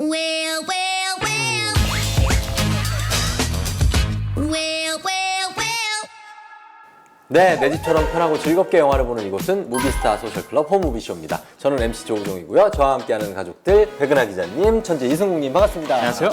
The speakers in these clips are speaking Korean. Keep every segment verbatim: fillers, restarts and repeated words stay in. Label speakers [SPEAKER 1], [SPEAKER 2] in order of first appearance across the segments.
[SPEAKER 1] Well, well, well. Well, well, well.
[SPEAKER 2] 네, 내 집처럼 편하고 즐겁게 영화를 보는 이곳은 무비스타 소셜클럽 홈무비쇼입니다. 저는 엠씨 조우종이고요. 저와 함께하는 가족들 백은하 기자님, 천재 이승국님 반갑습니다.
[SPEAKER 3] 안녕하세요.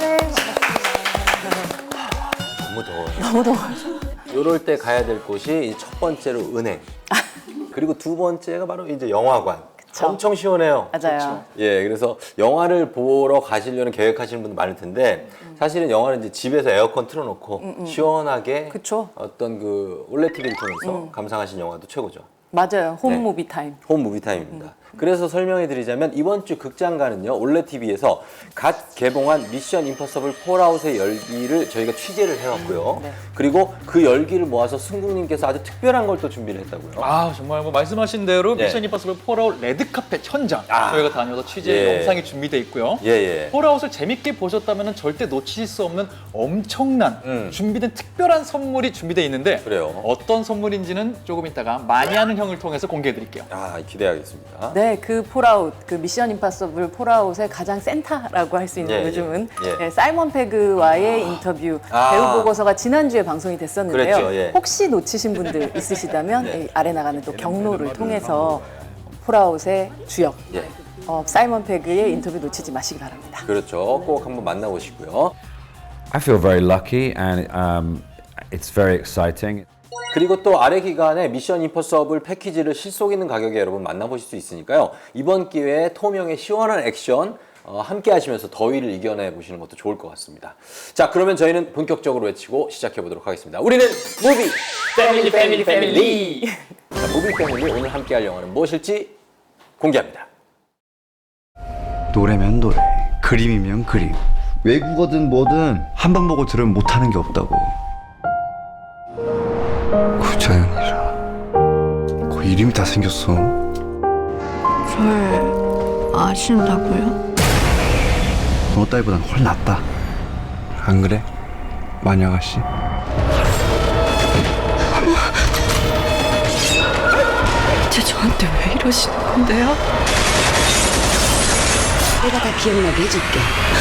[SPEAKER 2] 너무 더워요.
[SPEAKER 4] 너무 더워요.
[SPEAKER 2] 이럴 때 가야 될 곳이 이제 첫 번째로 은행. 그리고 두 번째가 바로 이제 영화관.
[SPEAKER 4] 그쵸.
[SPEAKER 2] 엄청 시원해요.
[SPEAKER 4] 맞아요.
[SPEAKER 2] 예, 그래서 영화를 보러 가시려는 계획하시는 분들 많을 텐데 사실은 영화는 이제 집에서 에어컨 틀어놓고
[SPEAKER 4] 음, 음.
[SPEAKER 2] 시원하게
[SPEAKER 4] 그쵸.
[SPEAKER 2] 어떤 그 올레드 티비를 통해서
[SPEAKER 4] 음.
[SPEAKER 2] 감상하신 영화도 최고죠.
[SPEAKER 4] 맞아요. 홈
[SPEAKER 2] 네.
[SPEAKER 4] 무비 타임.
[SPEAKER 2] 홈 무비 타임입니다. 그래서 설명해 드리자면 이번 주 극장가는요. 올레드 티비에서 갓 개봉한 미션 임퍼서블 폴아웃의 열기를 저희가 취재를 해왔고요.
[SPEAKER 4] 네.
[SPEAKER 2] 그리고 그 열기를 모아서 승국님께서 아주 특별한 걸 또 준비를 했다고요.
[SPEAKER 3] 아 정말 뭐 말씀하신 대로
[SPEAKER 2] 네.
[SPEAKER 3] 미션 임파서블 폴아웃 레드카펫 현장
[SPEAKER 2] 아.
[SPEAKER 3] 저희가 다녀서 취재
[SPEAKER 2] 예.
[SPEAKER 3] 영상이 준비되어 있고요.
[SPEAKER 2] 예, 예.
[SPEAKER 3] 폴아웃을 재밌게 보셨다면 절대 놓치실 수 없는 엄청난
[SPEAKER 2] 음.
[SPEAKER 3] 준비된 특별한 선물이 준비되어 있는데
[SPEAKER 2] 그래요.
[SPEAKER 3] 어떤 선물인지는 조금 이따가 많이 하는 형을 통해서 공개해 드릴게요.
[SPEAKER 2] 아, 기대하겠습니다.
[SPEAKER 4] 네, 그 폴아웃, 그 미션 임파서블 폴아웃의 가장 센터라고 할 수 있는
[SPEAKER 2] 예,
[SPEAKER 4] 요즘은
[SPEAKER 2] 예.
[SPEAKER 4] 네, 사이먼 페그와의 인터뷰
[SPEAKER 2] 아.
[SPEAKER 4] 배우 보고서가 지난주에 방송이 됐었는데요.
[SPEAKER 2] 그랬죠, 예.
[SPEAKER 4] 혹시 놓치신 분들 있으시다면
[SPEAKER 2] 네.
[SPEAKER 4] 이 아래 나가는 또 경로를 통해서 폴아웃의 주역
[SPEAKER 2] 예.
[SPEAKER 4] 어, 사이먼 페그의 인터뷰 놓치지 마시기 바랍니다.
[SPEAKER 2] 그렇죠. 꼭 한번 만나보시고요.
[SPEAKER 5] I feel very lucky and um, it's very exciting.
[SPEAKER 2] 그리고 또 아래 기간에 미션 임퍼서블 패키지를 실속 있는 가격에 여러분 만나보실 수 있으니까요. 이번 기회에 톰형의 시원한 액션 어, 함께 하시면서 더위를 이겨내 보시는 것도 좋을 것 같습니다. 자, 그러면 저희는 본격적으로 외치고 시작해 보도록 하겠습니다. 우리는 무비 패밀리 패밀리 패밀리. 자, 무비 패밀리 오늘 함께 할 영화는 무엇일지 공개합니다.
[SPEAKER 6] 노래면 노래, 그림이면 그림. 외국어든 뭐든 한 번 보고 들으면 못하는 게 없다고. 구자연이라. 그 이름이 다 생겼어.
[SPEAKER 7] 절 아신다고요?
[SPEAKER 6] 너 딸보단 훨 낫다. 안 그래? 마녀 아가씨.
[SPEAKER 7] 대체 저한테 왜 이러시는 건데요?
[SPEAKER 8] 내가 다 기억나게 해줄게.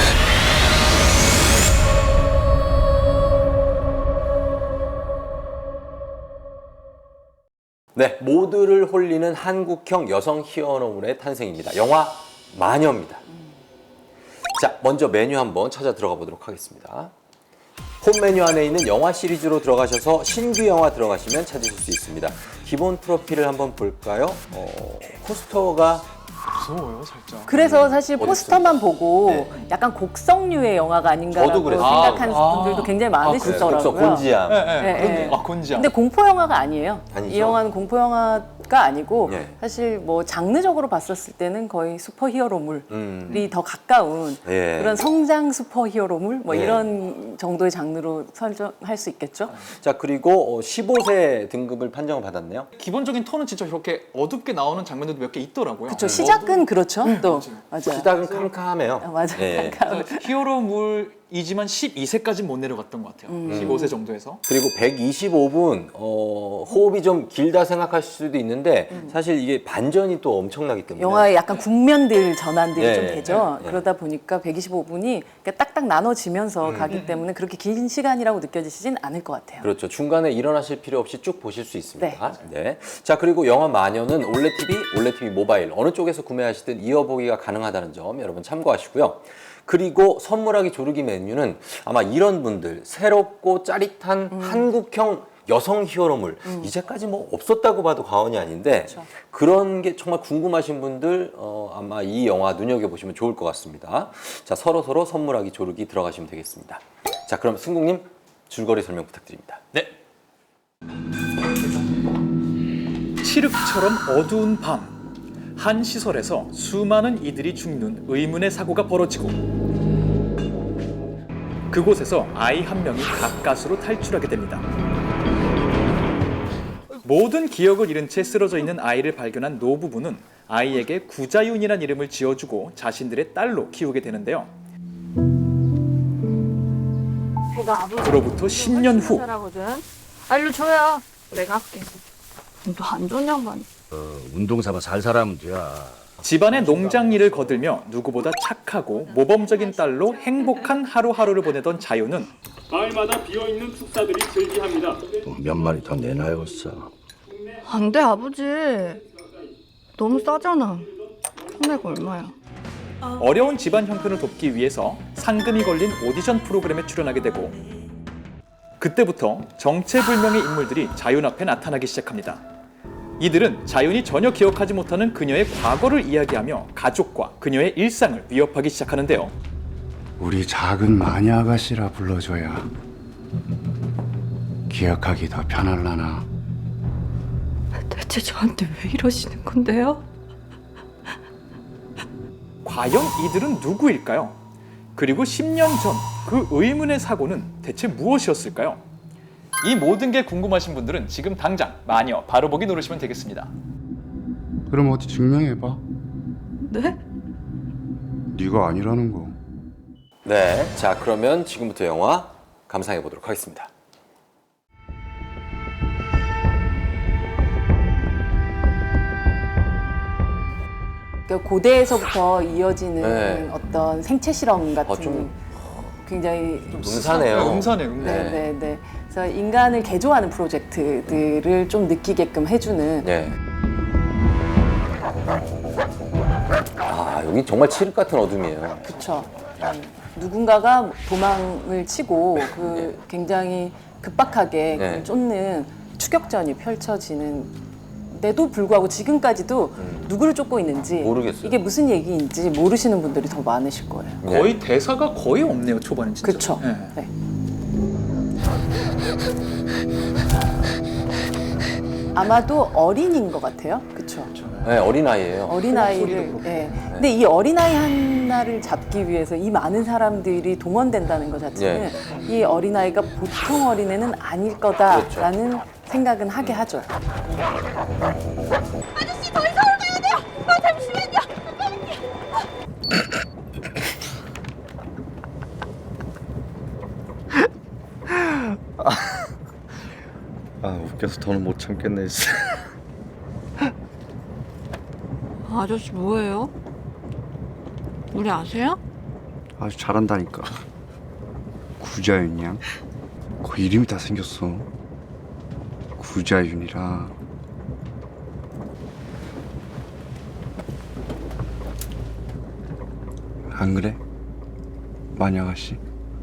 [SPEAKER 2] 네, 모두를 홀리는 한국형 여성 히어로물의 탄생입니다. 영화 마녀입니다. 자, 먼저 메뉴 한번 찾아 들어가 보도록 하겠습니다. 홈 메뉴 안에 있는 영화 시리즈로 들어가셔서 신규 영화 들어가시면 찾으실 수 있습니다. 기본 프로필을 한번 볼까요? 어, 포스터가
[SPEAKER 3] 무서워요 살짝.
[SPEAKER 4] 그래서 사실
[SPEAKER 2] 어디
[SPEAKER 4] 포스터만 보고
[SPEAKER 2] 네.
[SPEAKER 4] 약간 곡성류의 영화가 아닌가라고
[SPEAKER 2] 저도 그랬어요.
[SPEAKER 4] 생각하는
[SPEAKER 3] 아,
[SPEAKER 4] 분들도 굉장히
[SPEAKER 3] 아,
[SPEAKER 4] 많으시더라고요.
[SPEAKER 2] 곡성 곤지암.
[SPEAKER 3] 네, 네.
[SPEAKER 4] 네,
[SPEAKER 3] 그런-
[SPEAKER 4] 네.
[SPEAKER 3] 아 곤지암.
[SPEAKER 4] 근데 공포 영화가 아니에요.
[SPEAKER 2] 아니죠.
[SPEAKER 4] 이 영화는 공포 영화가 아니고
[SPEAKER 2] 네.
[SPEAKER 4] 사실 뭐 장르적으로 봤었을 때는 거의 슈퍼히어로물이
[SPEAKER 2] 음.
[SPEAKER 4] 더 가까운
[SPEAKER 2] 예.
[SPEAKER 4] 그런 성장 슈퍼히어로물 뭐
[SPEAKER 2] 예.
[SPEAKER 4] 이런 정도의 장르로 설정할 수 있겠죠.
[SPEAKER 2] 자, 그리고 십오 세 등급을 판정을 받았네요.
[SPEAKER 3] 기본적인 톤은 진짜 이렇게 어둡게 나오는 장면들도 몇 개 있더라고요.
[SPEAKER 4] 그렇죠. 시작은 그렇죠. 또 맞아요.
[SPEAKER 2] 시작은 캄캄해요.
[SPEAKER 4] 아, 맞아요.
[SPEAKER 2] 예.
[SPEAKER 4] 캄캄.
[SPEAKER 3] 히어로물이지만 십이 세까지 못 내려갔던 것 같아요.
[SPEAKER 4] 음.
[SPEAKER 3] 십오 세 정도에서.
[SPEAKER 2] 그리고 백이십오 분 어, 호흡이 좀 길다 생각하실 수도 있는데 사실 이게 반전이 또 엄청나기 때문에
[SPEAKER 4] 영화에 약간 국면들 전환들이
[SPEAKER 2] 예,
[SPEAKER 4] 좀 되죠.
[SPEAKER 2] 예, 예.
[SPEAKER 4] 그러다 보니까 백이십오 분이 딱딱 나눠지면서 가기 때문에 그렇게 긴 시간이라고 느껴지시진 않을 것 같아요.
[SPEAKER 2] 그렇죠. 중간에 일어나실 필요 없이 쭉 보실 수 있습니다. 네. 자, 그리고 영화 마녀는 올레드 티비, 올레드 티비 모바일 어느 쪽에서 구매하시든 이어보기가 가능하다는 점 여러분 참고하시고요. 그리고 선물하기 조르기 메뉴는 아마 이런 분들 새롭고 짜릿한
[SPEAKER 4] 음.
[SPEAKER 2] 한국형 여성 히어로물 이제까지 뭐 없었다고 봐도 과언이 아닌데
[SPEAKER 4] 그렇죠.
[SPEAKER 2] 그런 게 정말 궁금하신 분들 어, 아마 이 영화 눈여겨보시면 좋을 것 같습니다. 자, 서로서로 선물하기 조르기 들어가시면 되겠습니다. 자, 그럼 승국님 줄거리 설명 부탁드립니다.
[SPEAKER 3] 네. 칠흑처럼 어두운 밤. 한 시설에서 수많은 이들이 죽는 의문의 사고가 벌어지고 그곳에서 아이 한 명이 가까스로 탈출하게 됩니다. 모든 기억을 잃은 채 쓰러져 있는 아이를 발견한 노부부는 아이에게 구자윤이란 이름을 지어주고 자신들의 딸로 키우게 되는데요. 그로부터 십 년 후
[SPEAKER 7] 알려 줘요. 내가 할게. 너 안 좋은 양반.
[SPEAKER 9] 운동 삼아 살 사람은 돼야.
[SPEAKER 3] 집안의 농장 일을 거들며 누구보다 착하고 모범적인 딸로 행복한 하루하루를 보내던 자유는
[SPEAKER 9] 마을마다 비어있는 축사들이 즐비합니다.
[SPEAKER 10] 몇 마리 더 내놔야겠어.
[SPEAKER 7] 안 돼, 아버지. 너무 싸잖아. 판매가 얼마야?
[SPEAKER 3] 어려운 집안 형편을 돕기 위해서 상금이 걸린 오디션 프로그램에 출연하게 되고 그때부터 정체불명의 인물들이 자윤 앞에 나타나기 시작합니다. 이들은 자윤이 전혀 기억하지 못하는 그녀의 과거를 이야기하며 가족과 그녀의 일상을 위협하기 시작하는데요.
[SPEAKER 6] 우리 작은 마녀 아가씨라 불러줘야 기억하기 더 편할라나.
[SPEAKER 7] 대체 저한테 왜 이러시는 건데요?
[SPEAKER 3] 과연 이들은 누구일까요? 그리고 십 년 전 그 의문의 사고는 대체 무엇이었을까요? 이 모든 게 궁금하신 분들은 지금 당장 마녀 바로 보기 누르시면 되겠습니다.
[SPEAKER 6] 그럼 어디 증명해봐.
[SPEAKER 7] 네?
[SPEAKER 6] 네가 아니라는 거.
[SPEAKER 2] 네, 자 그러면 지금부터 영화 감상해 보도록 하겠습니다.
[SPEAKER 4] 그러니까 고대에서부터 이어지는
[SPEAKER 2] 네.
[SPEAKER 4] 어떤 생체 실험 같은
[SPEAKER 2] 어, 좀
[SPEAKER 4] 굉장히
[SPEAKER 2] 음산해요.
[SPEAKER 3] 음산해, 음산.
[SPEAKER 4] 네, 네, 네. 그래서 인간을 개조하는 프로젝트들을 좀 느끼게끔 해주는.
[SPEAKER 2] 네. 아 여기 정말 칠흑 같은 어둠이에요.
[SPEAKER 4] 그렇죠. 누군가가 도망을 치고 그 굉장히 급박하게
[SPEAKER 2] 네.
[SPEAKER 4] 그 쫓는 추격전이 펼쳐지는데도 불구하고 지금까지도
[SPEAKER 2] 음.
[SPEAKER 4] 누구를 쫓고 있는지
[SPEAKER 2] 모르겠어요.
[SPEAKER 4] 이게 무슨 얘기인지 모르시는 분들이 더 많으실 거예요.
[SPEAKER 2] 네.
[SPEAKER 3] 거의 대사가 거의 없네요, 초반에 진짜.
[SPEAKER 4] 그렇죠.
[SPEAKER 3] 네.
[SPEAKER 4] 네. 아마도 어린인 것 같아요. 그렇죠.
[SPEAKER 2] 네, 어린아이예요.
[SPEAKER 4] 어린아이를. 네. 근데 이 어린아이 하나를 잡기 위해서 이 많은 사람들이 동원된다는 것 자체는 이 어린아이가 보통 어린애는 아닐 거다라는
[SPEAKER 2] 그렇죠.
[SPEAKER 4] 생각은 하게 하죠.
[SPEAKER 1] 아저씨 저희 서울 가야 돼요. 아 잠시만요.
[SPEAKER 10] 아 웃겨서 더는 못 참겠네.
[SPEAKER 7] 아저씨 뭐예요? 우리 아세요?
[SPEAKER 6] 아주 잘한다니까. 구자윤이야. 그 이름이 다 생겼어. 구자윤이라. 안 그래? 마녀 아가씨?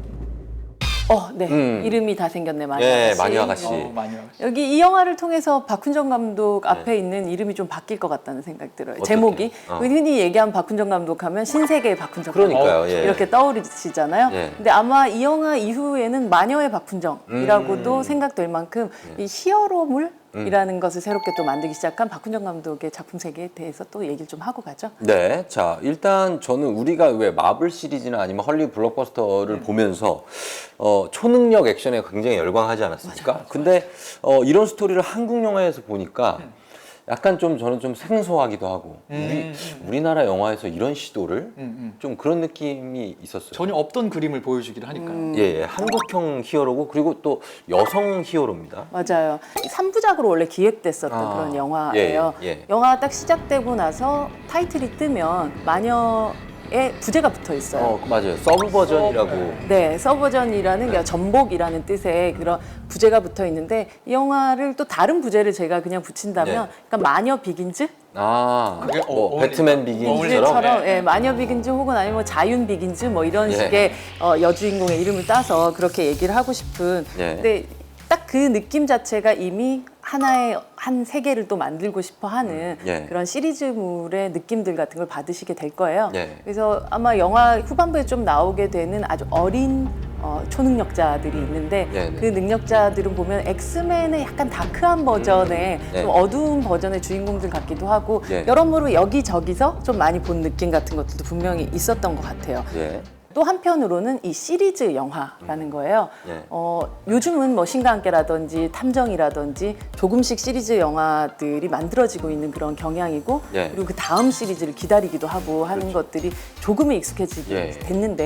[SPEAKER 4] 어, 네.
[SPEAKER 2] 음.
[SPEAKER 4] 이름이 다 생겼네, 마녀
[SPEAKER 2] 예,
[SPEAKER 4] 아가씨.
[SPEAKER 2] 마녀 아가씨.
[SPEAKER 3] 어, 많이 와요.
[SPEAKER 4] 여기 이 영화를 통해서 박훈정 감독 앞에 있는 이름이 좀 바뀔 것 같다는 생각이 들어요.
[SPEAKER 2] 어떻게?
[SPEAKER 4] 제목이.
[SPEAKER 2] 어.
[SPEAKER 4] 흔히 얘기하면 박훈정 감독 하면 신세계의 박훈정 감독.
[SPEAKER 2] 그러니까요. 예.
[SPEAKER 4] 이렇게 떠오르시잖아요.
[SPEAKER 2] 예.
[SPEAKER 4] 근데 아마 이 영화 이후에는 마녀의 박훈정이라고도
[SPEAKER 2] 음.
[SPEAKER 4] 생각될 만큼 이 히어로물이라는 것을 새롭게 또 만들기 시작한 박훈정 감독의 작품 세계에 대해서 또 얘기를 좀 하고 가죠.
[SPEAKER 2] 네, 자 일단 저는 우리가 왜 마블 시리즈나 아니면 헐리우드 블록버스터를
[SPEAKER 4] 네.
[SPEAKER 2] 보면서 어, 초능력 액션에 굉장히 열광하지 않았습니까? 맞아, 맞아. 근데 어, 이런 스토리를 한국 영화에서 보니까 약간 좀 저는 좀 생소하기도 하고
[SPEAKER 3] 음,
[SPEAKER 2] 우리
[SPEAKER 3] 음.
[SPEAKER 2] 우리나라 영화에서 이런 시도를
[SPEAKER 3] 음, 음.
[SPEAKER 2] 좀 그런 느낌이 있었어요.
[SPEAKER 3] 전혀 없던 그림을 보여주기를 하니까요.
[SPEAKER 4] 음.
[SPEAKER 2] 예, 예, 한국형 히어로고 그리고 또 여성 히어로입니다.
[SPEAKER 4] 맞아요. 삼 부작으로 원래 기획됐었던
[SPEAKER 2] 아,
[SPEAKER 4] 그런 영화예요.
[SPEAKER 2] 예, 예.
[SPEAKER 4] 영화가 딱 시작되고 나서 타이틀이 뜨면 마녀의 부제가 붙어 있어요.
[SPEAKER 2] 어, 맞아요. 서브 버전이라고.
[SPEAKER 4] 네, 서버전이라는 그러니까 전복이라는 뜻의 그런 부제가 붙어 있는데 이 영화를 또 다른 부제를 제가 그냥 붙인다면
[SPEAKER 2] 네.
[SPEAKER 4] 그러니까 마녀 비긴즈?
[SPEAKER 2] 아,
[SPEAKER 3] 그게 어,
[SPEAKER 2] 뭐
[SPEAKER 3] 어울린다.
[SPEAKER 2] 배트맨 비긴즈처럼.
[SPEAKER 4] 비긴즈처럼
[SPEAKER 3] 네.
[SPEAKER 4] 예, 마녀 비긴즈 혹은 아니면 뭐 자윤 비긴즈 뭐 이런
[SPEAKER 2] 예.
[SPEAKER 4] 식의 어, 여주인공의 이름을 따서 그렇게 얘기를 하고 싶은
[SPEAKER 2] 예.
[SPEAKER 4] 근데 딱 그 느낌 자체가 이미 하나의 한 세계를 또 만들고 싶어 하는
[SPEAKER 2] 예.
[SPEAKER 4] 그런 시리즈물의 느낌들 같은 걸 받으시게 될 거예요.
[SPEAKER 2] 예.
[SPEAKER 4] 그래서 아마 영화 후반부에 좀 나오게 되는 아주 어린 어, 초능력자들이 있는데
[SPEAKER 2] 예, 네.
[SPEAKER 4] 그 능력자들은 보면 엑스맨의 약간 다크한 버전의
[SPEAKER 2] 예.
[SPEAKER 4] 좀 어두운 버전의 주인공들 같기도 하고
[SPEAKER 2] 예.
[SPEAKER 4] 여러모로 여기저기서 좀 많이 본 느낌 같은 것들도 분명히 있었던 것 같아요.
[SPEAKER 2] 예.
[SPEAKER 4] 또 한편으로는 이 시리즈 영화라는 거예요.
[SPEAKER 2] 예.
[SPEAKER 4] 어, 요즘은 뭐 신과 함께라든지 탐정이라든지 조금씩 시리즈 영화들이 만들어지고 있는 그런 경향이고
[SPEAKER 2] 예.
[SPEAKER 4] 그리고 그 다음 시리즈를 기다리기도 하고 하는 것들이 조금은 익숙해지게
[SPEAKER 2] 예.
[SPEAKER 4] 됐는데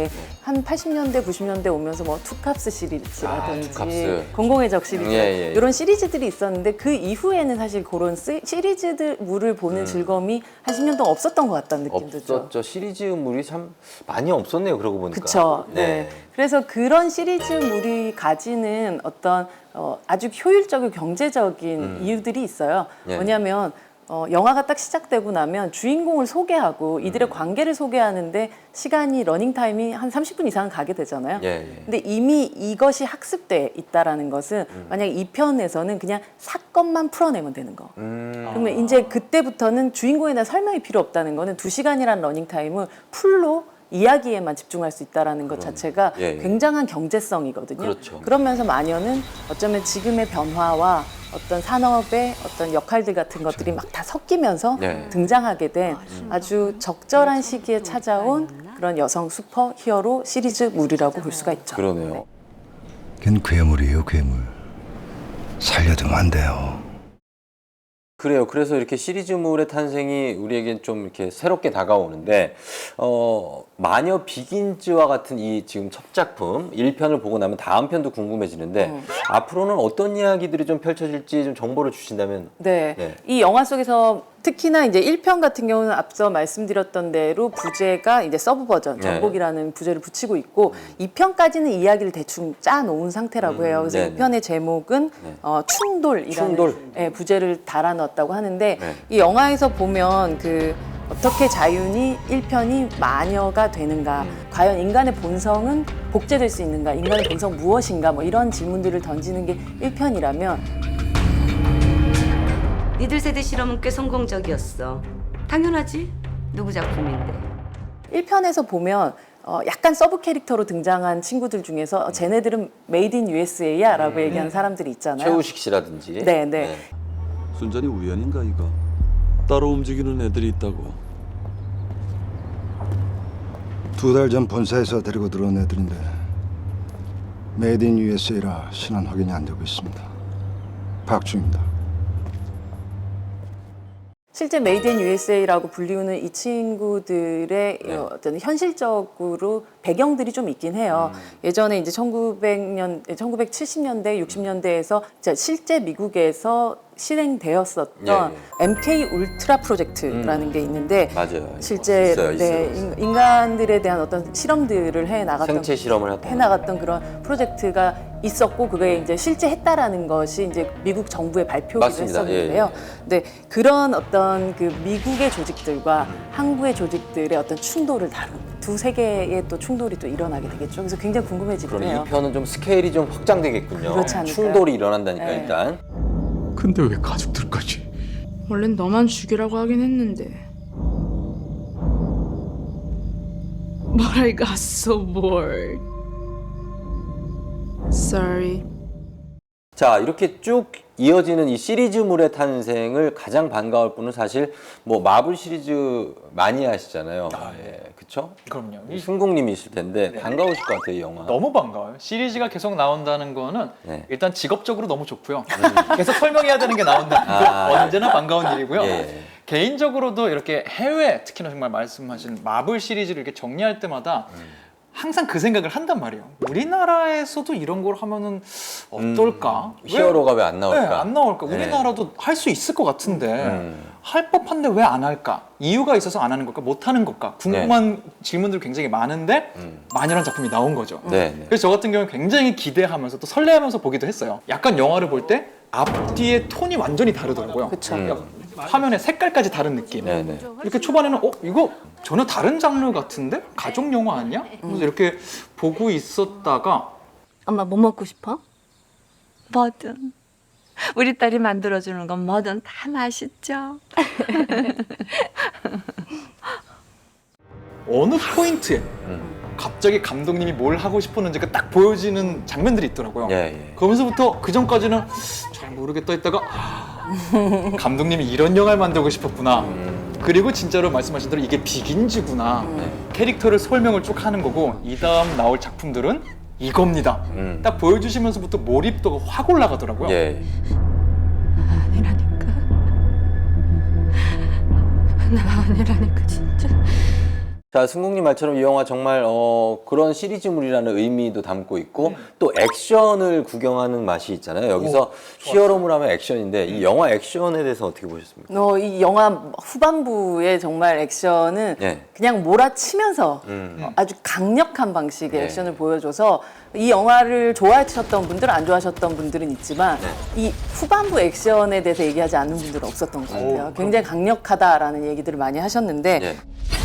[SPEAKER 4] 한 팔십 년대, 구십 년대 오면서 뭐 투캅스 시리즈라든지
[SPEAKER 2] 아, 투캅스.
[SPEAKER 4] 공공의 적 시리즈
[SPEAKER 2] 예, 예, 예.
[SPEAKER 4] 이런 시리즈들이 있었는데 그 이후에는 사실 그런 시- 시리즈물을 보는
[SPEAKER 2] 음.
[SPEAKER 4] 즐거움이 한 십 년 동안 없었던 것 같다는 느낌도 죠.
[SPEAKER 2] 없었죠. 시리즈물이 참 많이 없었네요. 그러고 보니까.
[SPEAKER 4] 그렇죠. 네. 그래서 그런 시리즈물이 가지는 어떤 어, 아주 효율적이고 경제적인
[SPEAKER 2] 음.
[SPEAKER 4] 이유들이 있어요.
[SPEAKER 2] 예.
[SPEAKER 4] 뭐냐면 어, 영화가 딱 시작되고 나면 주인공을 소개하고 이들의
[SPEAKER 2] 음.
[SPEAKER 4] 관계를 소개하는데 시간이 러닝 타임이 한 삼십 분 이상 가게 되잖아요.
[SPEAKER 2] 예, 예.
[SPEAKER 4] 근데 이미 이것이 학습돼 있다라는 것은
[SPEAKER 2] 음.
[SPEAKER 4] 만약 이 편에서는 그냥 사건만 풀어내면 되는 거.
[SPEAKER 2] 음.
[SPEAKER 4] 그러면 이제 그때부터는 주인공에 대한 설명이 필요 없다는 거는 두 시간이라는 러닝 타임을 풀로 이야기에만 집중할 수 있다는 것 자체가
[SPEAKER 2] 예, 예.
[SPEAKER 4] 굉장한 경제성이거든요.
[SPEAKER 2] 그렇죠.
[SPEAKER 4] 그러면서 마녀는 어쩌면 지금의 변화와 어떤 산업의 어떤 역할들 같은 것들이 막 다 섞이면서
[SPEAKER 2] 네.
[SPEAKER 4] 등장하게 된 아주 적절한 시기에 찾아온 그런 여성 슈퍼 히어로 시리즈물이라고 볼 수가 있죠.
[SPEAKER 2] 그러네요.
[SPEAKER 6] 걘 괴물이에요, 괴물. 살려두면 안 돼요.
[SPEAKER 2] 그래요. 그래서 이렇게 시리즈물의 탄생이 우리에겐 좀 이렇게 새롭게 다가오는데, 어, 마녀 비긴즈와 같은 이 지금 첫 작품 일 편을 보고 나면 다음 편도 궁금해지는데,
[SPEAKER 4] 음.
[SPEAKER 2] 앞으로는 어떤 이야기들이 좀 펼쳐질지 좀 정보를 주신다면.
[SPEAKER 4] 네.
[SPEAKER 2] 네.
[SPEAKER 4] 이 영화 속에서 특히나 이제 일 편 같은 경우는 앞서 말씀드렸던 대로 부제가 이제 서브 버전,
[SPEAKER 2] 네.
[SPEAKER 4] 전복이라는 부제를 붙이고 있고 이 편까지는 이야기를 대충 짜 놓은 상태라고 해요. 그래서
[SPEAKER 2] 네,
[SPEAKER 4] 이 편의 제목은
[SPEAKER 2] 네.
[SPEAKER 4] 어, 충돌이라는
[SPEAKER 2] 충돌.
[SPEAKER 4] 예, 부제를 달아 넣었다고 하는데
[SPEAKER 2] 네.
[SPEAKER 4] 이 영화에서 보면 그 어떻게 자윤이 일 편이 마녀가 되는가,
[SPEAKER 2] 음.
[SPEAKER 4] 과연 인간의 본성은 복제될 수 있는가, 인간의 본성 무엇인가, 뭐 이런 질문들을 던지는 게 일 편이라면
[SPEAKER 8] 니들 세대 실험은 꽤 성공적이었어. 당연하지. 누구 작품인데.
[SPEAKER 4] 일 편에서 보면 어, 약간 서브 캐릭터로 등장한 친구들 중에서 어, 쟤네들은 메이드 인 유에스에이야 라고 얘기하는 사람들이 있잖아요.
[SPEAKER 2] 최우식 씨라든지.
[SPEAKER 4] 네, 네.
[SPEAKER 10] 순전히 우연인가 이거? 따로 움직이는 애들이 있다고.
[SPEAKER 6] 두 달 전 본사에서 데리고 들어온 애들인데 메이드 인 유에스에이라 신원 확인이 안 되고 있습니다. 박중입니다.
[SPEAKER 4] 실제 메이드 인 유에스에이라고 불리우는 이 친구들의
[SPEAKER 2] 네.
[SPEAKER 4] 어, 어떤 현실적으로 배경들이 좀 있긴 해요.
[SPEAKER 2] 음.
[SPEAKER 4] 예전에 이제 천구백 년, 천구백칠십 년대, 육십 년대에서 실제 미국에서 실행되었었던
[SPEAKER 2] 예,
[SPEAKER 4] 엠케이 울트라 프로젝트라는
[SPEAKER 2] 음.
[SPEAKER 4] 게 있는데
[SPEAKER 2] 맞아요.
[SPEAKER 4] 실제
[SPEAKER 2] 있어요, 있어요,
[SPEAKER 4] 네,
[SPEAKER 2] 있어요.
[SPEAKER 4] 인- 인간들에 대한 어떤 실험들을 해 나갔던
[SPEAKER 2] 생체 실험을 했던
[SPEAKER 4] 해 나갔던 그런 프로젝트가 있었고 그게 이제 실제 했다라는 것이 이제 미국 정부의 발표기도
[SPEAKER 2] 맞습니다.
[SPEAKER 4] 했었는데요.
[SPEAKER 2] 예, 예.
[SPEAKER 4] 근데 그런 어떤 그 미국의 조직들과 한국의 조직들의 어떤 충돌을 다룬 두 세계의 또 충돌이 또 일어나게 되겠죠. 그래서 굉장히 궁금해지긴
[SPEAKER 2] 그러니
[SPEAKER 4] 해요.
[SPEAKER 2] 이 편은 좀 스케일이 좀 확장되겠군요.
[SPEAKER 4] 그렇지 않을까요?
[SPEAKER 2] 충돌이 일어난다니까
[SPEAKER 4] 네.
[SPEAKER 2] 일단.
[SPEAKER 9] 근데 왜 가족들까지?
[SPEAKER 1] 원래는 너만 죽이라고 하긴 했는데. But I got so bored. Sorry.
[SPEAKER 2] 자, 이렇게 쭉 이어지는 이 시리즈물의 탄생을 가장 반가울 분은 사실 뭐 마블 시리즈 많이 하시잖아요.
[SPEAKER 3] 아,
[SPEAKER 2] 예, 그쵸?
[SPEAKER 3] 그럼요. 이-
[SPEAKER 2] 승국님이실 텐데
[SPEAKER 3] 네.
[SPEAKER 2] 반가우실 것 같아요, 이 영화.
[SPEAKER 3] 너무 반가워요. 시리즈가 계속 나온다는 거는
[SPEAKER 2] 네.
[SPEAKER 3] 일단 직업적으로 너무 좋고요. 계속 설명해야 되는 게 나온다는 거
[SPEAKER 2] 아,
[SPEAKER 3] 언제나 반가운 일이고요.
[SPEAKER 2] 예.
[SPEAKER 3] 개인적으로도 이렇게 해외, 특히나 정말 말씀하신 마블 시리즈를 이렇게 정리할 때마다 항상 그 생각을 한단 말이에요. 우리나라에서도 이런 걸 하면은 어떨까?
[SPEAKER 2] 음, 히어로가 왜 안 나올까?
[SPEAKER 3] 네, 안 나올까?
[SPEAKER 2] 네.
[SPEAKER 3] 우리나라도 할 수 있을 것 같은데
[SPEAKER 2] 음.
[SPEAKER 3] 할 법한데 왜 안 할까? 이유가 있어서 안 하는 걸까? 못 하는 걸까? 궁금한 질문들 굉장히 많은데
[SPEAKER 2] 음.
[SPEAKER 3] 마녀란 작품이 나온 거죠.
[SPEAKER 2] 네, 네.
[SPEAKER 3] 그래서 저 같은 경우는 굉장히 기대하면서 또 설레하면서 보기도 했어요. 약간 영화를 볼 때 앞뒤의 톤이 완전히 다르더라고요.
[SPEAKER 4] 그쵸.
[SPEAKER 2] 음.
[SPEAKER 3] 화면의 색깔까지 다른 느낌.
[SPEAKER 2] 네, 네.
[SPEAKER 3] 이렇게 초반에는 어 이거 전혀 다른 장르 같은데 가족 영화 아니야? 그래서 이렇게 보고 있었다가
[SPEAKER 7] 엄마 뭐 먹고 싶어? 뭐든. 우리 딸이 만들어주는 건 뭐든 다 맛있죠.
[SPEAKER 3] 어느 포인트에
[SPEAKER 2] 음.
[SPEAKER 3] 갑자기 감독님이 뭘 하고 싶었는지가 딱 보여지는 장면들이 있더라고요.
[SPEAKER 2] 예, 예.
[SPEAKER 3] 그러면서부터 그 전까지는 잘 모르겠다 했다가 아, 감독님이 이런 영화를 만들고 싶었구나.
[SPEAKER 2] 음.
[SPEAKER 3] 그리고 진짜로 말씀하신 대로 이게 비긴즈구나.
[SPEAKER 2] 네.
[SPEAKER 3] 캐릭터를 설명을 쭉 하는 거고 이 다음 나올 작품들은 이겁니다.
[SPEAKER 2] 음.
[SPEAKER 3] 딱 보여주시면서부터 몰입도가 확 올라가더라고요.
[SPEAKER 2] 예.
[SPEAKER 7] 아니라니까. 나 아니라니까 진짜.
[SPEAKER 2] 자, 승국님 말처럼 이 영화 정말 어, 그런 시리즈물이라는 의미도 담고 있고 음. 또 액션을 구경하는 맛이 있잖아요. 여기서 오, 히어로물 하면 액션인데 이 영화 액션에 대해서 어떻게 보셨습니까?
[SPEAKER 4] 어, 이 영화 후반부의 정말 액션은 네. 그냥 몰아치면서 음. 아주 강력한 방식의 네. 액션을 보여줘서 이 영화를 좋아하셨던 분들, 안 좋아하셨던 분들은 있지만 네. 이 후반부 액션에 대해서 얘기하지 않는 분들은 없었던 것 같아요. 오, 굉장히 강력하다라는 얘기들을 많이 하셨는데 네.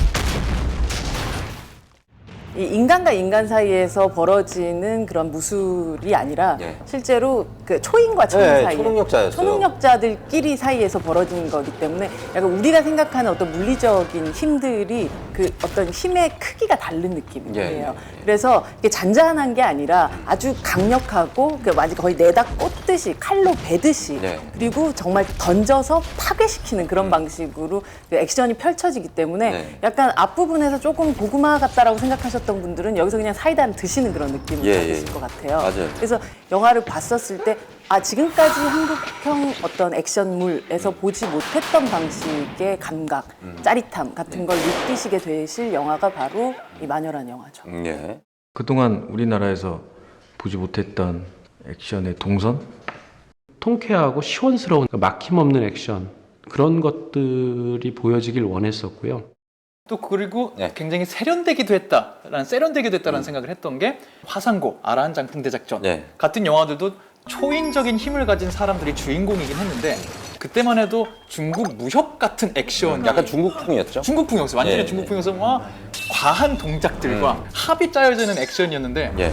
[SPEAKER 4] 이 인간과 인간 사이에서 벌어지는 그런 무술이 아니라 네. 실제로 그 초인과 초인
[SPEAKER 2] 네,
[SPEAKER 4] 사이에
[SPEAKER 2] 초능력자였어요.
[SPEAKER 4] 초능력자들끼리 사이에서 벌어지는 거기 때문에 약간 우리가 생각하는 어떤 물리적인 힘들이 그 어떤 힘의 크기가 다른 느낌이에요. 네, 네, 네. 그래서 이게 잔잔한 게 아니라 아주 강력하고 그 마치 거의 내다 꽂듯이 칼로 베듯이 네. 그리고 정말 던져서 파괴시키는 그런 음. 방식으로 그 액션이 펼쳐지기 때문에 네. 약간 앞부분에서 조금 고구마 같다라고 생각하셨던 분들은 여기서 그냥 사이다를 드시는 그런 느낌을 예, 받으실 예. 것 같아요.
[SPEAKER 2] 맞아요.
[SPEAKER 4] 그래서 영화를 봤었을 때 아, 지금까지 한국형 어떤 액션물에서 보지 못했던 방식의 감각, 음. 짜릿함 같은 네. 걸 느끼시게 되실 영화가 바로 이 마녀라는 영화죠.
[SPEAKER 2] 음, 예.
[SPEAKER 9] 그동안 우리나라에서 보지 못했던 액션의 동선? 통쾌하고 시원스러운 막힘없는 액션 그런 것들이 보여지길 원했었고요.
[SPEAKER 3] 또 그리고
[SPEAKER 2] 네.
[SPEAKER 3] 굉장히 세련되기도 했다라는 세련되기도 했다라는 음. 생각을 했던 게 화상고, 아라한 장풍 대작전
[SPEAKER 2] 네.
[SPEAKER 3] 같은 영화들도 초인적인 힘을 가진 사람들이 주인공이긴 했는데 그때만 해도 중국 무협 같은 액션,
[SPEAKER 2] 약간 중국풍이었죠.
[SPEAKER 3] 중국풍이었어요. 완전히
[SPEAKER 2] 예,
[SPEAKER 3] 중국풍이어서 와 과한 동작들과 음. 합이 짜여져 있는 액션이었는데.
[SPEAKER 2] 예.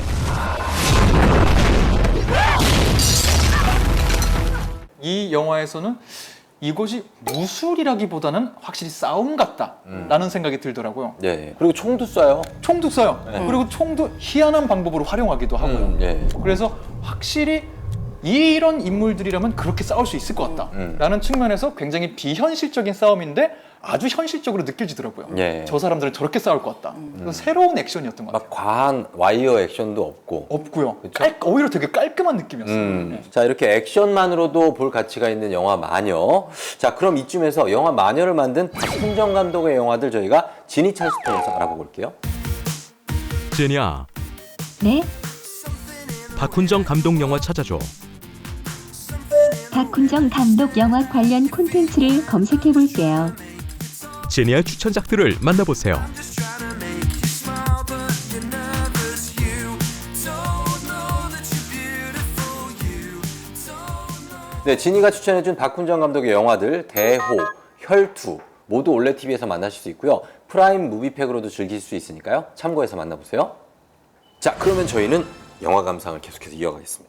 [SPEAKER 3] 이 영화에서는 이것이 무술이라기보다는 확실히 싸움 같다라는 음. 생각이 들더라고요.
[SPEAKER 2] 예. 그리고 총도 쏴요.
[SPEAKER 3] 총도 쏴요.
[SPEAKER 2] 예.
[SPEAKER 3] 그리고 총도 희한한 방법으로 활용하기도 하고요.
[SPEAKER 2] 음, 예.
[SPEAKER 3] 그래서 확실히 이런 인물들이라면 그렇게 싸울 수 있을 것 같다라는 음. 측면에서 굉장히 비현실적인 싸움인데 아주 현실적으로 느껴지더라고요.
[SPEAKER 2] 예.
[SPEAKER 3] 저 사람들은 저렇게 싸울 것 같다. 음. 그래서 새로운 액션이었던 것 같아요.
[SPEAKER 2] 막 과한 와이어 액션도 없고.
[SPEAKER 3] 없고요. 깔, 오히려 되게 깔끔한 느낌이었어요. 음.
[SPEAKER 2] 네. 자, 이렇게 액션만으로도 볼 가치가 있는 영화 마녀. 자, 그럼 이쯤에서 영화 마녀를 만든 박훈정 감독의 영화들 저희가 지니 찰스 통해서 알아보고 올게요.
[SPEAKER 11] 제니야.
[SPEAKER 12] 네?
[SPEAKER 11] 박훈정 감독 영화 찾아줘.
[SPEAKER 12] 박훈정 감독 영화 관련 콘텐츠를 검색해 볼게요.
[SPEAKER 11] 제니의 추천작들을 만나보세요.
[SPEAKER 2] 네, 지니가 추천해준 박훈정 감독의 영화들 대호, 혈투 모두 올레 티비에서 만나실 수 있고요. 프라임 무비팩으로도 즐길 수 있으니까요. 참고해서 만나보세요. 자, 그러면 저희는 영화 감상을 계속해서 이어가겠습니다.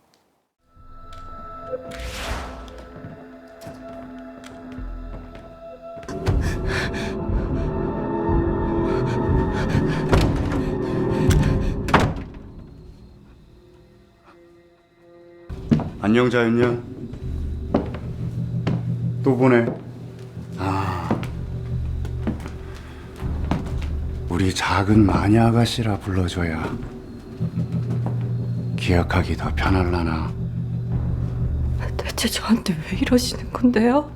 [SPEAKER 6] 안녕 자연이야. 또 보네. 아, 우리 작은 마녀 아가씨라 불러줘야 기억하기 더 편할라나.
[SPEAKER 1] 대체 저한테 왜 이러시는 건데요?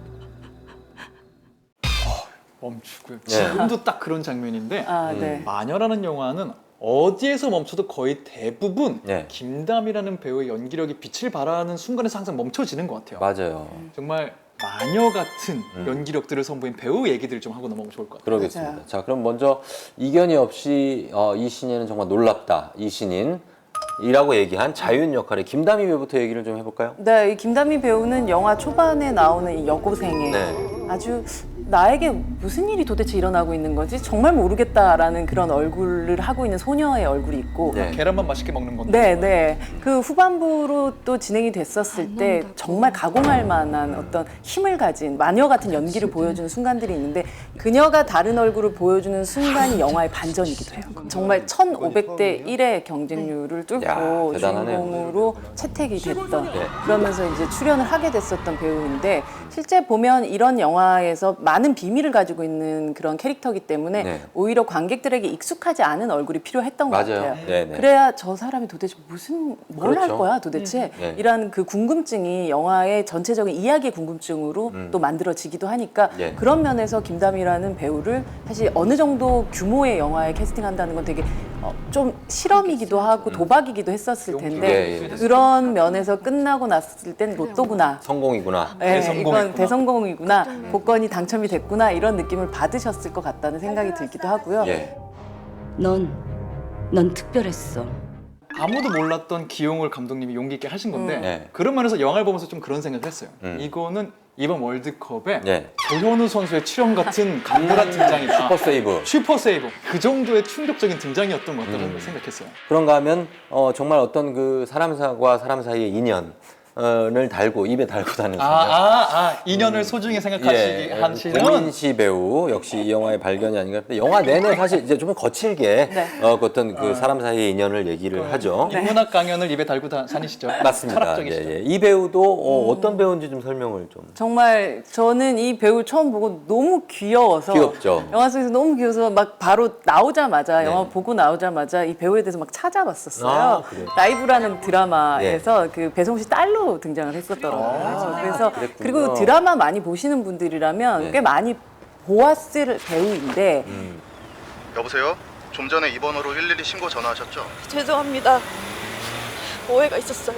[SPEAKER 3] 멈추고요.
[SPEAKER 2] 네.
[SPEAKER 3] 지금도 딱 그런 장면인데
[SPEAKER 4] 아, 네.
[SPEAKER 3] 마녀라는 영화는 어디에서 멈춰도 거의 대부분
[SPEAKER 2] 네.
[SPEAKER 3] 김다미라는 배우의 연기력이 빛을 발하는 순간에서 항상 멈춰지는 것 같아요.
[SPEAKER 2] 맞아요.
[SPEAKER 3] 정말 마녀 같은
[SPEAKER 2] 음.
[SPEAKER 3] 연기력들을 선보인 배우 얘기들을 좀 하고 넘어가면 좋을 것 같아요.
[SPEAKER 2] 그러겠습니다.
[SPEAKER 4] 맞아요.
[SPEAKER 2] 자, 그럼 먼저 이견이 없이 어, 이 신인은 정말 놀랍다. 이 신인. 이라고 얘기한 자윤 역할의 김다미 배우부터 얘기를 좀 해볼까요?
[SPEAKER 4] 네, 이 김다미 배우는 영화 초반에 나오는 이 여고생의
[SPEAKER 2] 네.
[SPEAKER 4] 아주 나에게 무슨 일이 도대체 일어나고 있는 거지? 정말 모르겠다라는 그런 얼굴을 하고 있는 소녀의 얼굴이 있고
[SPEAKER 2] 네.
[SPEAKER 3] 계란만 맛있게 먹는 건데.
[SPEAKER 4] 네, 네. 그 후반부로 또 진행이 됐었을 때 정말 가공할 만한 어떤 힘을 가진 마녀 같은 연기를 보여주는 순간들이 있는데 그녀가 다른 얼굴을 보여주는 순간이 영화의 반전이기도 해요. 정말 천오백 대 일의 경쟁률을 뚫고
[SPEAKER 2] 야, 대단하네요.
[SPEAKER 4] 주인공으로 채택이 됐던
[SPEAKER 2] 네.
[SPEAKER 4] 그러면서 이제 출연을 하게 됐었던 배우인데 실제 보면 이런 영화에서 많은 비밀을 가지고 있는 그런 캐릭터이기 때문에
[SPEAKER 2] 네.
[SPEAKER 4] 오히려 관객들에게 익숙하지 않은 얼굴이 필요했던 것
[SPEAKER 2] 맞아요.
[SPEAKER 4] 같아요.
[SPEAKER 2] 네, 네.
[SPEAKER 4] 그래야 저 사람이 도대체 무슨 뭘 할
[SPEAKER 2] 그렇죠.
[SPEAKER 4] 거야 도대체
[SPEAKER 2] 네.
[SPEAKER 4] 이런 그 궁금증이 영화의 전체적인 이야기의 궁금증으로
[SPEAKER 2] 음.
[SPEAKER 4] 또 만들어지기도 하니까
[SPEAKER 2] 네.
[SPEAKER 4] 그런 면에서 김다미라는 배우를 사실 어느 정도 규모의 영화에 캐스팅한다는 건 되게 어, 좀 실험이기도 하고 도박이기도 했었을 텐데
[SPEAKER 2] 예, 예.
[SPEAKER 4] 그런 면에서 끝나고 났을 땐 로또구나.
[SPEAKER 2] 성공이구나.
[SPEAKER 4] 네,
[SPEAKER 3] 대성공이구나.
[SPEAKER 4] 이건 대성공이구나. 복권이 당첨이 됐구나. 이런 느낌을 받으셨을 것 같다는 생각이 들기도 하고요.
[SPEAKER 2] 예.
[SPEAKER 8] 넌, 넌 특별했어.
[SPEAKER 3] 아무도 몰랐던 기용을 감독님이 용기 있게 하신 건데
[SPEAKER 4] 음.
[SPEAKER 2] 네.
[SPEAKER 3] 그런 면에서 영화를 보면서 좀 그런 생각을 했어요.
[SPEAKER 2] 음.
[SPEAKER 3] 이거는 이번 월드컵에
[SPEAKER 2] 네.
[SPEAKER 3] 조현우 선수의 출연 같은 강렬한 등장이다.
[SPEAKER 2] 슈퍼 세이브.
[SPEAKER 3] 슈퍼 세이브. 그 정도의 충격적인 등장이었던 것 같다는
[SPEAKER 2] 음.
[SPEAKER 3] 생각했어요.
[SPEAKER 2] 그런가 하면 어, 정말 어떤 그 사람과 사람 사이의 인연을 달고 입에 달고 다니는
[SPEAKER 3] 아, 아, 아, 인연을 소중히 생각하시기
[SPEAKER 2] 예,
[SPEAKER 3] 하시는
[SPEAKER 2] 고민 씨 배우 역시 이 영화의 발견이 아닌가. 근데 영화 내내 사실 이제 좀 거칠게
[SPEAKER 4] 네.
[SPEAKER 2] 어, 그 어떤 그 사람 사이의 인연을 얘기를 하죠.
[SPEAKER 3] 인문학 강연을 입에 달고 다, 다니시죠.
[SPEAKER 2] 맞습니다.
[SPEAKER 3] 철학적이시죠.
[SPEAKER 2] 예, 예. 이 배우도 어, 어떤 배우인지 좀 설명을 좀.
[SPEAKER 4] 정말 저는 이 배우 처음 보고 너무 귀여워서
[SPEAKER 2] 귀엽죠.
[SPEAKER 4] 영화 속에서 너무 귀여워서 막 바로 나오자마자
[SPEAKER 2] 네.
[SPEAKER 4] 영화 보고 나오자마자 이 배우에 대해서 막 찾아봤었어요.
[SPEAKER 2] 아, 그래요?
[SPEAKER 4] 라이브라는 드라마에서 그 배송 씨 딸로 등장을 했었더라고요. 그래서
[SPEAKER 2] 아, 그랬군요.
[SPEAKER 4] 그리고 드라마 많이 보시는 분들이라면
[SPEAKER 2] 네.
[SPEAKER 4] 꽤 많이 보았을 배우인데
[SPEAKER 2] 음.
[SPEAKER 13] 여보세요? 좀 전에 입원으로 일일이 신고 전화하셨죠?
[SPEAKER 14] 죄송합니다. 오해가 있었어요.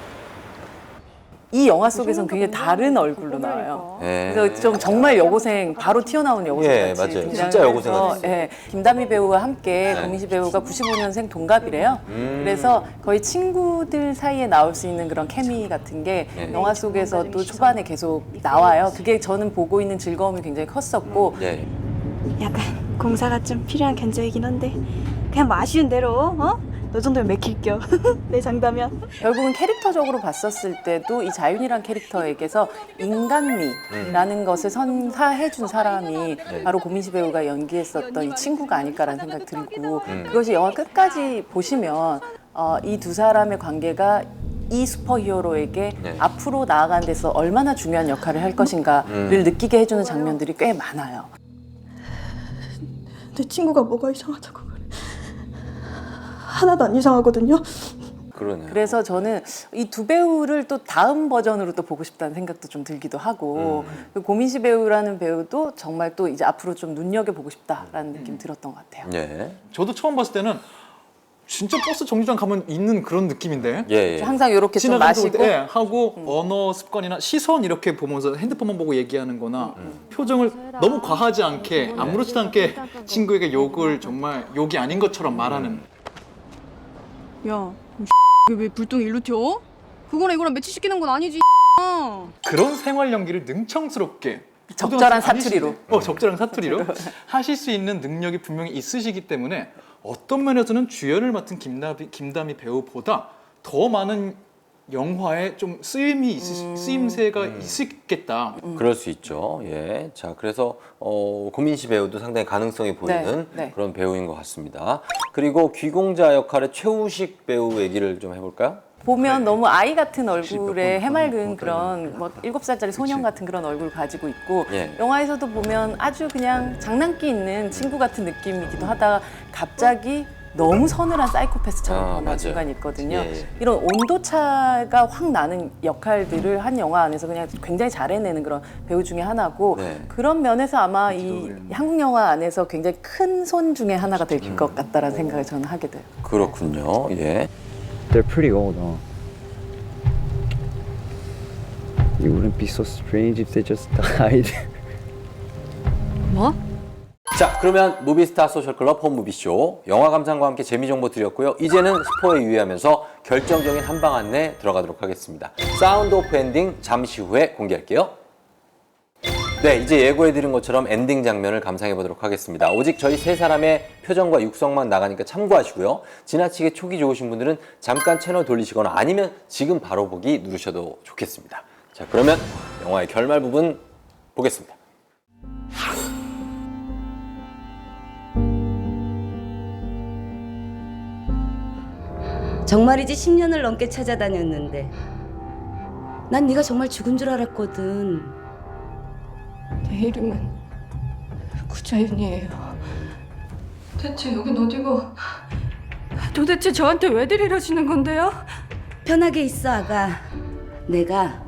[SPEAKER 4] 이 영화 속에서는 굉장히 다른 얼굴로 나와요.
[SPEAKER 2] 예.
[SPEAKER 4] 그래서 좀 정말 여고생 바로 튀어나온 여고생
[SPEAKER 2] 예,
[SPEAKER 4] 같이
[SPEAKER 2] 맞아요.
[SPEAKER 4] 등장을
[SPEAKER 2] 진짜 여고생
[SPEAKER 4] 해서,
[SPEAKER 2] 같았어요.
[SPEAKER 4] 예, 김다미 배우와 함께
[SPEAKER 2] 네.
[SPEAKER 4] 고민시 배우가 구십오 년생 동갑이래요.
[SPEAKER 2] 음.
[SPEAKER 4] 그래서 거의 친구들 사이에 나올 수 있는 그런 케미 같은 게
[SPEAKER 2] 네.
[SPEAKER 4] 영화 속에서도 초반에 계속 나와요. 그게 저는 보고 있는 즐거움이 굉장히 컸었고
[SPEAKER 2] 예.
[SPEAKER 14] 약간 공사가 좀 필요한 견적이긴 한데 그냥 뭐 아쉬운 대로 어? 너 정도면 맥힐겨. 내 장담이야.
[SPEAKER 4] 결국은 캐릭터적으로 봤었을 때도 이 자윤이란 캐릭터에게서 인간미라는 것을 선사해준 사람이
[SPEAKER 2] 네.
[SPEAKER 4] 바로 고민시 배우가 연기했었던 이 친구가 아닐까라는 생각이 들고
[SPEAKER 2] 음.
[SPEAKER 4] 그것이 영화 끝까지 보시면 어, 이 두 사람의 관계가 이 슈퍼히어로에게
[SPEAKER 2] 네.
[SPEAKER 4] 앞으로 나아가는 데서 얼마나 중요한 역할을 할 것인가를
[SPEAKER 2] 음.
[SPEAKER 4] 느끼게 해주는 장면들이 꽤 많아요.
[SPEAKER 14] 내 친구가 뭐가 이상하다고 그래. 하나도 안 이상하거든요.
[SPEAKER 2] 그러네요.
[SPEAKER 4] 그래서 저는 이 두 배우를 또 다음 버전으로 또 보고 싶다는 생각도 좀 들기도 하고 그 고민시 배우라는 배우도 정말 또 이제 앞으로 좀 눈여겨보고 싶다라는 느낌 들었던 것 같아요.
[SPEAKER 2] 예.
[SPEAKER 3] 저도 처음 봤을 때는 진짜 버스 정류장 가면 있는 그런 느낌인데
[SPEAKER 2] 예. 예.
[SPEAKER 4] 항상 이렇게 좀
[SPEAKER 3] 지나가면서
[SPEAKER 4] 마시고
[SPEAKER 3] 예, 하고 언어 습관이나 시선 이렇게 보면서 핸드폰만 보고 얘기하는 거나 표정을 너무 과하지 않게 아무렇지도 않게 친구에게 욕을 정말 욕이 아닌 것처럼 말하는
[SPEAKER 14] 야, 왜 불똥 일로 튀어? 그거랑 이거랑 매치시키는 건 아니지.
[SPEAKER 3] 그런 생활 연기를 능청스럽게
[SPEAKER 4] 적절한
[SPEAKER 3] 초등학생
[SPEAKER 4] 사투리로.
[SPEAKER 3] 아니시네. 어, 적절한 사투리로 하실 수 있는 능력이 분명히 있으시기 때문에 어떤 면에서는 주연을 맡은 김다미, 김다미 배우보다 더 많은 영화에 좀 쓰임이 있으, 쓰임새가 있겠다.
[SPEAKER 2] 그럴 수 있죠. 예. 자, 그래서 어, 고민시 배우도 상당히 가능성이 보이는
[SPEAKER 4] 네, 네.
[SPEAKER 2] 그런 배우인 것 같습니다. 그리고 귀공자 역할의 최우식 배우 얘기를 좀 해볼까요?
[SPEAKER 4] 보면 너무 아이 같은
[SPEAKER 2] 몇
[SPEAKER 4] 얼굴에
[SPEAKER 2] 번
[SPEAKER 4] 해맑은
[SPEAKER 2] 번
[SPEAKER 4] 그런 뭐 일곱 살짜리 소년 같은 그런 얼굴을 가지고 있고
[SPEAKER 2] 예.
[SPEAKER 4] 영화에서도 보면 아주 그냥 장난기 있는 친구 같은 느낌이기도 하다가 갑자기 너무 서늘한 사이코패스처럼
[SPEAKER 2] 아,
[SPEAKER 4] 변하는
[SPEAKER 2] 맞아요.
[SPEAKER 4] 순간이 있거든요.
[SPEAKER 2] 예, 예.
[SPEAKER 4] 이런 온도차가 확 나는 역할들을 한 영화 안에서 그냥 굉장히 잘 해내는 그런 배우 중에 하나고
[SPEAKER 2] 네.
[SPEAKER 4] 그런 면에서 아마 이 한국 영화 안에서 굉장히 큰 손 중에 하나가 될
[SPEAKER 2] 음.
[SPEAKER 4] 것 같다라는 생각을 저는 하게 돼요.
[SPEAKER 2] 그렇군요. 예.
[SPEAKER 15] They're pretty old, huh? You wouldn't be so strange if they just died.
[SPEAKER 14] 뭐?
[SPEAKER 2] 자, 그러면 무비스타 소셜클럽 홈무비쇼 영화 감상과 함께 재미 정보 드렸고요. 이제는 스포에 유의하면서 결정적인 한방 안내 들어가도록 하겠습니다. 사운드 오프 엔딩 잠시 후에 공개할게요. 네, 이제 예고해드린 것처럼 엔딩 장면을 감상해보도록 하겠습니다. 오직 저희 세 사람의 표정과 육성만 나가니까 참고하시고요. 지나치게 촉이 좋으신 분들은 잠깐 채널 돌리시거나 아니면 지금 바로 보기 누르셔도 좋겠습니다. 자, 그러면 영화의 결말 부분 보겠습니다.
[SPEAKER 8] 정말이지 십 년을 넘게 찾아다녔는데 난 네가 정말 죽은 줄 알았거든.
[SPEAKER 14] 내 이름은 구자윤이에요. 대체 여긴 어디고? 도대체 저한테 왜들 이러시는 건데요?
[SPEAKER 8] 편하게 있어, 아가. 내가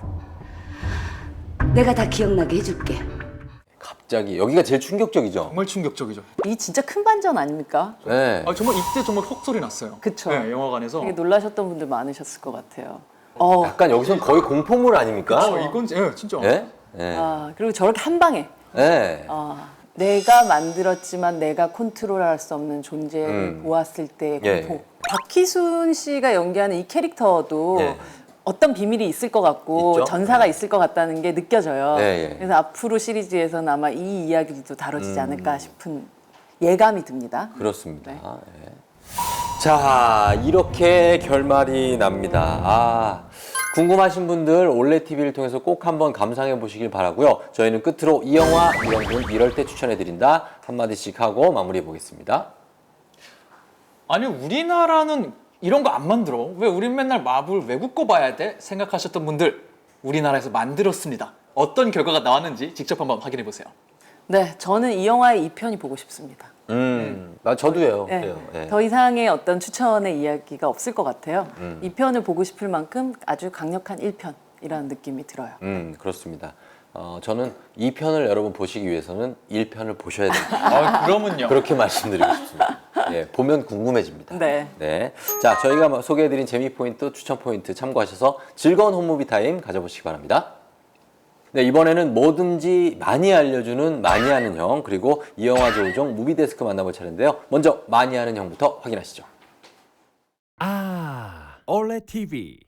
[SPEAKER 8] 내가 다 기억나게 해줄게.
[SPEAKER 2] 갑자기 여기가 제일 충격적이죠.
[SPEAKER 3] 정말 충격적이죠.
[SPEAKER 4] 이 진짜 큰 반전 아닙니까?
[SPEAKER 2] 네.
[SPEAKER 3] 아, 정말 이때 정말 헉 소리 났어요.
[SPEAKER 4] 그쵸.
[SPEAKER 3] 네, 영화관에서.
[SPEAKER 4] 되게 놀라셨던 분들 많으셨을 것 같아요. 어,
[SPEAKER 2] 약간 여기서는 거의 공포물 아닙니까?
[SPEAKER 3] 어, 이건 예, 진짜.
[SPEAKER 2] 예? 예.
[SPEAKER 4] 아, 그리고 저렇게 한 방에
[SPEAKER 2] 예.
[SPEAKER 4] 아, 내가 만들었지만 내가 컨트롤할 수 없는 존재를
[SPEAKER 2] 음.
[SPEAKER 4] 보았을 때의
[SPEAKER 2] 예.
[SPEAKER 4] 공포. 박희순 씨가 연기하는 이 캐릭터도
[SPEAKER 2] 예.
[SPEAKER 4] 어떤 비밀이 있을 것 같고
[SPEAKER 2] 있죠?
[SPEAKER 4] 전사가 있을 것 같다는 게 느껴져요.
[SPEAKER 2] 예, 예.
[SPEAKER 4] 그래서 앞으로 시리즈에서는 아마 이 이야기도 다뤄지지
[SPEAKER 2] 음.
[SPEAKER 4] 않을까 싶은 예감이 듭니다.
[SPEAKER 2] 그렇습니다.
[SPEAKER 4] 네.
[SPEAKER 2] 예. 자, 이렇게 결말이 납니다. 아, 궁금하신 분들 올레티비를 통해서 꼭 한번 감상해 보시길 바라고요. 저희는 끝으로 이 영화 이런 분 이럴 때 추천해 드린다 한마디씩 하고 마무리해 보겠습니다.
[SPEAKER 3] 아니 우리나라는 이런 거 안 만들어. 왜 우린 맨날 마블 외국 거 봐야 돼? 생각하셨던 분들 우리나라에서 만들었습니다. 어떤 결과가 나왔는지 직접 한번 확인해 보세요.
[SPEAKER 4] 네, 저는 이 영화의 이 편이 보고 싶습니다.
[SPEAKER 2] 음, 나 저도요.
[SPEAKER 4] 네,
[SPEAKER 2] 그래요. 예.
[SPEAKER 4] 더 이상의 어떤 추천의 이야기가 없을 것 같아요.
[SPEAKER 2] 음.
[SPEAKER 4] 이 편을 보고 싶을 만큼 아주 강력한 일 편이라는 느낌이 들어요.
[SPEAKER 2] 음, 그렇습니다. 어, 저는 이 편을 여러분 보시기 위해서는 일 편을 보셔야 됩니다.
[SPEAKER 3] 아, 그러면요.
[SPEAKER 2] 그렇게 말씀드리고 싶습니다. 예, 보면 궁금해집니다.
[SPEAKER 4] 네.
[SPEAKER 2] 네. 자, 저희가 소개해드린 재미 포인트, 추천 포인트 참고하셔서 즐거운 홈무비 타임 가져보시기 바랍니다. 네, 이번에는 뭐든지 많이 알려주는 많이 아는 형, 그리고 이 영화 조우종 무비데스크 만나볼 차례인데요. 먼저 많이 아는 형부터 확인하시죠.
[SPEAKER 11] 아, 올레티비.